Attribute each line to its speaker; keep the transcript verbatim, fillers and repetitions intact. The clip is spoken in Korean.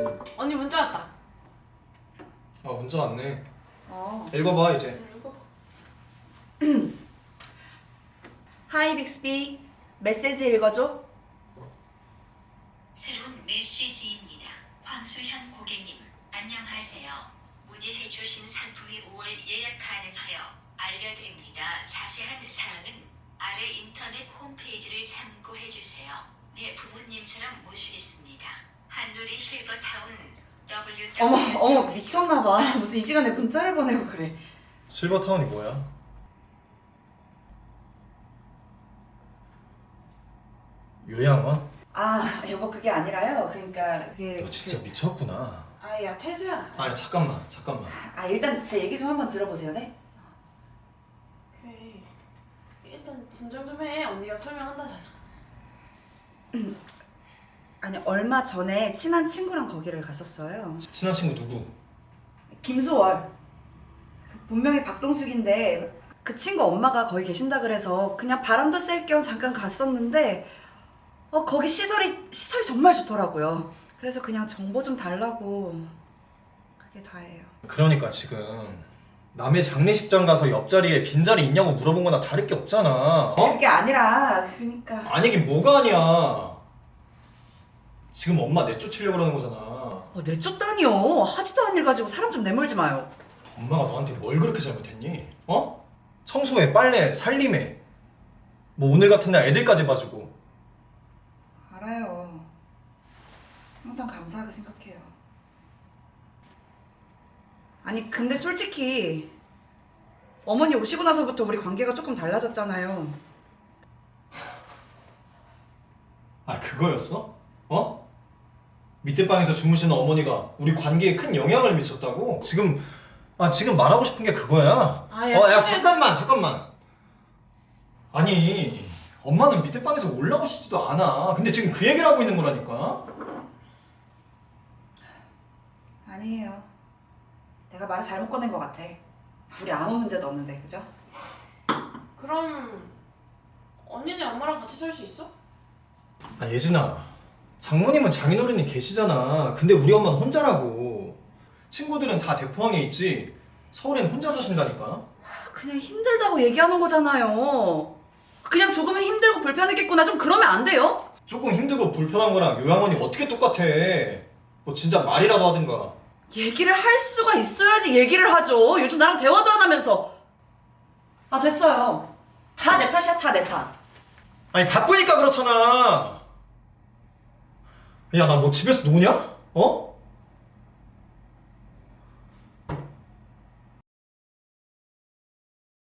Speaker 1: 언니 문자 왔다.
Speaker 2: 아 문자 왔네.
Speaker 3: 어.
Speaker 2: 읽어봐 이제.
Speaker 3: 하이 빅스비, 메시지 읽어줘.
Speaker 4: 새로운 메시지입니다. 황수현 고객님, 안녕하세요. 문의해주신 상품이 오월 예약 가능하여 알려드립니다. 자세한 사항은 아래 인터넷 홈페이지를 참고해주세요. 네, 부모님처럼 모시겠습니다. 한누리 실버타운 더블유 더블유
Speaker 3: 어머 어머 미쳤나봐. 무슨 이 시간에 문자를 보내고 그래.
Speaker 2: 실버타운이 뭐야? 요양원?
Speaker 3: 아 여보 그게 아니라요. 그러니까 그게
Speaker 2: 너 진짜
Speaker 3: 그-
Speaker 2: 미쳤구나.
Speaker 1: 아야 태주야.
Speaker 2: 아 잠깐만 잠깐만.
Speaker 3: 아 일단 제 얘기 좀 한번 들어보세요, 네?
Speaker 1: 그래. 일단 진정 좀 해. 언니가 설명한다잖아.
Speaker 3: 아니 얼마 전에 친한 친구랑 거기를 갔었어요.
Speaker 2: 친한 친구 누구?
Speaker 3: 김수월. 그 본명이 박동숙인데 그 친구 엄마가 거기 계신다 그래서 그냥 바람도 쐴 겸 잠깐 갔었는데 어 거기 시설이 시설이 정말 좋더라고요. 그래서 그냥 정보 좀 달라고. 그게 다예요.
Speaker 2: 그러니까 지금 남의 장례식장 가서 옆자리에 빈자리 있냐고 물어본 거나 다를 게 없잖아. 어?
Speaker 3: 그게 아니라 그러니까
Speaker 2: 아니긴 뭐가 아니야. 지금 엄마 내쫓으려고 그러는 거잖아.
Speaker 3: 어, 내쫓다니요. 하지도 않은 일 가지고 사람 좀 내몰지 마요.
Speaker 2: 엄마가 너한테 뭘 그렇게 잘못했니? 어? 청소해, 빨래, 살림해. 뭐 오늘 같은 날 애들까지 봐주고.
Speaker 3: 알아요. 항상 감사하게 생각해요. 아니 근데 솔직히 어머니 오시고 나서부터 우리 관계가 조금 달라졌잖아요.
Speaker 2: 아 그거였어? 어? 밑에 방에서 주무시는 어머니가 우리 관계에 큰 영향을 미쳤다고? 지금 아 지금 말하고 싶은 게 그거야.
Speaker 1: 아, 야,
Speaker 2: 어, 야
Speaker 1: 사실-
Speaker 2: 잠깐만 잠깐만. 아니 엄마는 밑에 방에서 올라오시지도 않아. 근데 지금 그 얘기를 하고 있는 거라니까.
Speaker 3: 아니에요. 내가 말을 잘못 꺼낸 것 같아. 우리 아무 문제도 없는데, 그죠?
Speaker 1: 그럼 언니네 엄마랑 같이 살 수 있어?
Speaker 2: 아 예진아, 장모님은 장인어른이 계시잖아. 근데 우리 엄마는 혼자라고. 친구들은 다 대포항에 있지. 서울엔 혼자 사신다니까.
Speaker 3: 그냥 힘들다고 얘기하는 거잖아요. 그냥 조금은 힘들고 불편했겠구나. 좀 그러면 안 돼요?
Speaker 2: 조금 힘들고 불편한 거랑 요양원이 어떻게 똑같아. 뭐 진짜 말이라도 하든가.
Speaker 3: 얘기를 할 수가 있어야지 얘기를 하죠. 요즘 나랑 대화도 안 하면서. 아 됐어요. 다 내 탓이야, 다 내 탓.
Speaker 2: 아니 바쁘니까 그렇잖아. 야 나 뭐 집에서 노냐? 어?